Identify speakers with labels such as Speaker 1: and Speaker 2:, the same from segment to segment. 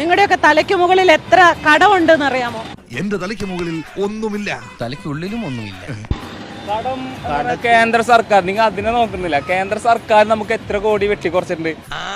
Speaker 1: നിങ്ങളുടെയൊക്കെ തലയ്ക്ക് മുകളിൽ എത്ര കടമുണ്ടെന്ന് അറിയാമോ?
Speaker 2: എന്റെ തലയ്ക്ക് മുകളിൽ ഒന്നുമില്ല,
Speaker 3: തലയ്ക്കുള്ളിലും ഒന്നുമില്ല.
Speaker 4: കടം കേന്ദ്ര സർക്കാർ, നിങ്ങൾ അതിനെ നോക്കുന്നില്ല. കേന്ദ്ര സർക്കാർ നമുക്ക് എത്ര കോടി വെട്ടി കുറച്ചിട്ടുണ്ട്.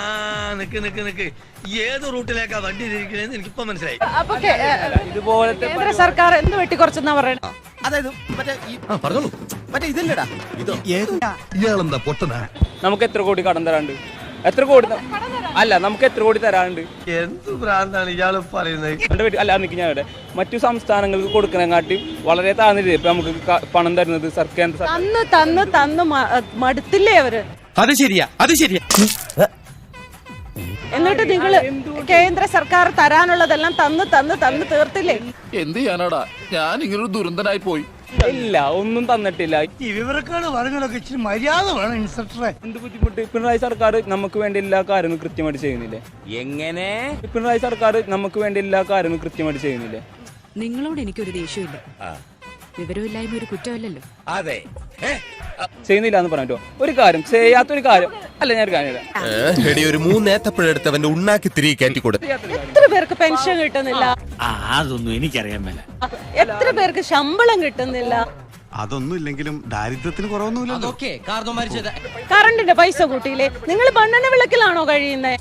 Speaker 3: ഏത് റൂട്ടിലേക്കാ വണ്ടി തിരിക്കണേന്ന് എനിക്കിപ്പോ മനസ്സിലായി.
Speaker 1: അപ്പൊ
Speaker 4: ഇതുപോലത്തെ
Speaker 1: കേന്ദ്ര സർക്കാർ എന്ത് വെട്ടിക്കുറച്ചെന്നാ പറയുന്നത്?
Speaker 5: അതായത് പറഞ്ഞോളൂ, മറ്റേ ഇതല്ലടാ, ഇതോ
Speaker 2: ഇയാളെന്താ പൊട്ടനാ?
Speaker 4: നമുക്ക് എത്ര കോടി കടം തരാണ്ട്? എത്ര കോടി അല്ല, നമുക്ക് എത്ര കോടി തരാണ്ട്?
Speaker 3: എന്ത് ഭ്രാന്താണ് ഇയാള് പറയുന്നത്?
Speaker 4: അല്ല, നിൽക്കും ഞാൻ ഇവിടെ മറ്റു സംസ്ഥാനങ്ങൾക്ക് കൊടുക്കണേക്കാട്ടി വളരെ താഴ്ന്നിട്ട് ഇപ്പൊ നമുക്ക് പണം തരുന്നത് കേന്ദ്ര
Speaker 1: തന്ന് തന്ന് തന്ന് മടുത്തില്ലേ അവര്?
Speaker 5: അത് ശരിയാ, അത് ശരിയാ.
Speaker 1: എന്നിട്ട് നിങ്ങള് കേന്ദ്ര സർക്കാർ തരാനുള്ളതെല്ലാം തന്ന് തന്ന് തന്ന് തീർത്തില്ലേ?
Speaker 6: എന്ത് ചെയ്യാനാടാ, ഞാൻ ഇങ്ങനൊരു ദുരന്തനായി പോയി.
Speaker 4: ഇല്ല, ഒന്നും തന്നിട്ടില്ല.
Speaker 3: ഈ വിവരക്കാട് പറഞ്ഞൊക്കെ ഇച്ചിരി മര്യാദ വേണം ഇൻസ്പെക്ടറെ.
Speaker 4: എന്ത് ബുദ്ധിമുട്ട്? പിണറായി സർക്കാർ നമുക്ക് വേണ്ടി എല്ലാ കാര്യങ്ങളും കൃത്യമായിട്ട് ചെയ്യുന്നില്ലേ?
Speaker 3: എങ്ങനെ?
Speaker 4: പിണറായി സർക്കാർ നമുക്ക് വേണ്ടി എല്ലാ കാര്യങ്ങളും കൃത്യമായിട്ട് ചെയ്യുന്നില്ലേ?
Speaker 7: നിങ്ങളോട് എനിക്കൊരു ദേഷ്യമില്ല. വിവരമില്ലായ്മ ഒരു കുറ്റമല്ലല്ലോ.
Speaker 3: അതെ,
Speaker 4: ചെയ്യുന്നില്ല എന്ന് പറഞ്ഞോ. ഒരു കാര്യം ചെയ്യാത്തൊരു കാര്യം അല്ല, ഞാൻ ഒരു കാര്യം
Speaker 8: ഒരു മൂന്നേത്തപ്പഴെടുത്തവന്റെ ഉണ്ണാക്കി തിരികെ കയറ്റിക്കൊടു.
Speaker 1: എത്ര പേർക്ക് പെൻഷൻ കിട്ടുന്നില്ല?
Speaker 5: അതൊന്നും എനിക്കറിയാൻ മേല.
Speaker 1: എത്ര പേർക്ക് ശമ്പളം കിട്ടുന്നില്ല?
Speaker 2: അതൊന്നും ഇല്ലെങ്കിലും ദാരിദ്ര്യത്തിന് കുറവൊന്നുമില്ലല്ലോ.
Speaker 1: കറണ്ടിന്റെ പൈസ കൂട്ടിയില്ലേ? നിങ്ങൾ മണ്ണെണ്ണ വിളക്കിലാണോ കഴിയുന്നത്?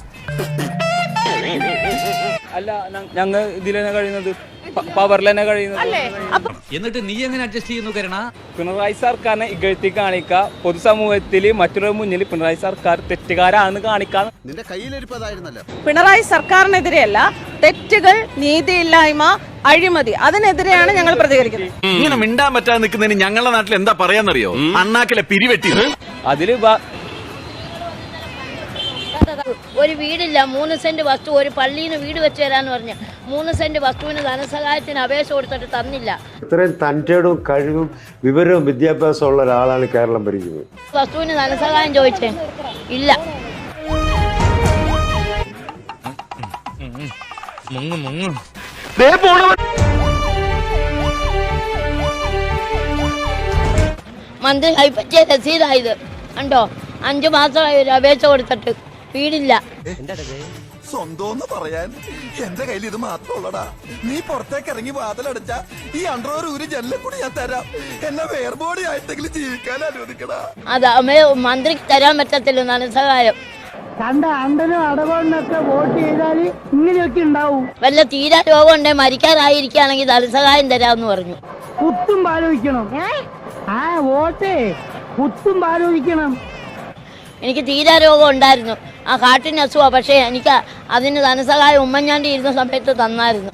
Speaker 4: അല്ല, ഞങ്ങൾ ഇതിൽ തന്നെ കഴിയുന്നത്, പവറിൽ തന്നെ കഴിയുന്നത്.
Speaker 1: അല്ലേ? അപ്പൊ
Speaker 5: എന്നിട്ട് നീ എങ്ങനെ അഡ്ജസ്റ്റ് ചെയ്യുന്നു കരണ?
Speaker 4: പിണറായി സർക്കാരിനെ ഇകഴ്ത്തി കാണിക്കുക, പൊതുസമൂഹത്തിൽ മറ്റൊരു മുന്നിൽ പിണറായി സർക്കാർ തെറ്റുകാരാണെന്ന് കാണിക്കാൻ.
Speaker 2: നിന്റെ കയ്യിലിരിപ്പതായിരുന്നല്ലോ.
Speaker 1: പിണറായി സർക്കാരിനെതിരെയല്ല, തെറ്റുകൾ, നീതിയില്ലായ്മ, അഴിമതി, അതിനെതിരെയാണ് ഞങ്ങൾ പ്രതികരിക്കുന്നത്.
Speaker 9: ഇങ്ങനെ മിണ്ടാൻ പറ്റാതെ നിൽക്കുന്നതിന് ഞങ്ങളുടെ നാട്ടിൽ എന്താ പറയാന്നറിയോ? അണ്ണാക്കിലെ പിരിവെട്ടി.
Speaker 4: അതില്
Speaker 10: ഒരു വീടില്ല, 3 സെന്റ് വസ്തു, ഒരു പള്ളിയിൽ വീട് വെച്ച് തരാന്ന് പറഞ്ഞു. 3 സെന്റ് വസ്തുവിന് ധനസഹായത്തിന് അപേക്ഷ കൊടുത്തിട്ട് തന്നില്ല.
Speaker 11: ഇത്രയും തന്റേടും കഴിവും വിവരവും വിദ്യാഭ്യാസവും ഉള്ള ഒരാളാണ് കേരളം ഭരിക്കുന്നത്.
Speaker 10: വസ്തുവിന് ധനസഹായം ചോദിച്ചേ ഇല്ല. മന്ത്രി കൈപ്പറ്റിയ രസീതായത് കണ്ടോ? 5 മാസമായി ഒരു അപേക്ഷ കൊടുത്തിട്ട് വീടില്ല.
Speaker 2: സ്വന്തം പറയാൻ എന്റെ കയ്യിൽ ഇത് മാത്രമുള്ളടാ. നീ പുറത്തേക്ക് ഇറങ്ങി വാതിലടച്ച ഈ അണ്ടറോർ ഒരു ജനലെ കൂടി ഞാൻ തരാം. എന്നെ വേർബോഡി ആയിട്ടെങ്കിലും ജീവിക്കാൻ അനുവദിക്കടാ.
Speaker 10: അത് മന്ത്രിക്ക് തരാൻ പറ്റത്തില്ല ധനസഹായം.
Speaker 1: കണ്ട അണ്ടനും അടവണ്ണൊക്കെ വോട്ട് ചെയ്താല് ഇങ്ങനെയൊക്കെ ഉണ്ടാവും.
Speaker 10: വല്ല തീരാ രോഗം ഉണ്ടെങ്കിൽ മരിക്കാറായിരിക്കുകയാണെങ്കിൽ ധനസഹായം തരാമെന്ന് പറഞ്ഞു.
Speaker 1: കുത്തും പാലോചിക്കണം. വോട്ടേ കുത്തും പാലോചിക്കണം.
Speaker 10: എനിക്ക് തീരാ രോഗം ഉണ്ടായിരുന്നു, ആ ഹാർട്ടിന് അസുഖമാണ്. പക്ഷേ എനിക്ക് അതിന് ധനസഹായം ഉമ്മൻചാണ്ടി ഇരുന്ന സമയത്ത് തന്നായിരുന്നു.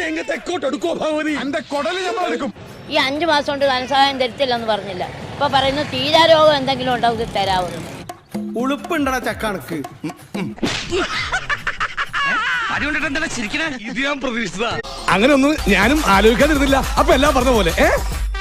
Speaker 10: ഈ 5 മാസം കൊണ്ട് ധനസഹായം തരത്തില്ലെന്ന് പറഞ്ഞില്ല. ഇപ്പൊ പറയുന്നു തീരാ രോഗം എന്തെങ്കിലും ഉണ്ടാവും തരാവുന്നു.
Speaker 5: ഉളുപ്പുണ്ടടാ ചക്കണക്ക്.
Speaker 9: ഇത് ഞാൻ പ്രതീക്ഷിച്ചതാ.
Speaker 6: അങ്ങനെ ഒന്നും ഞാനും ആലോചിക്കാതിരുന്നില്ല. അപ്പൊ എല്ലാം പറഞ്ഞ പോലെ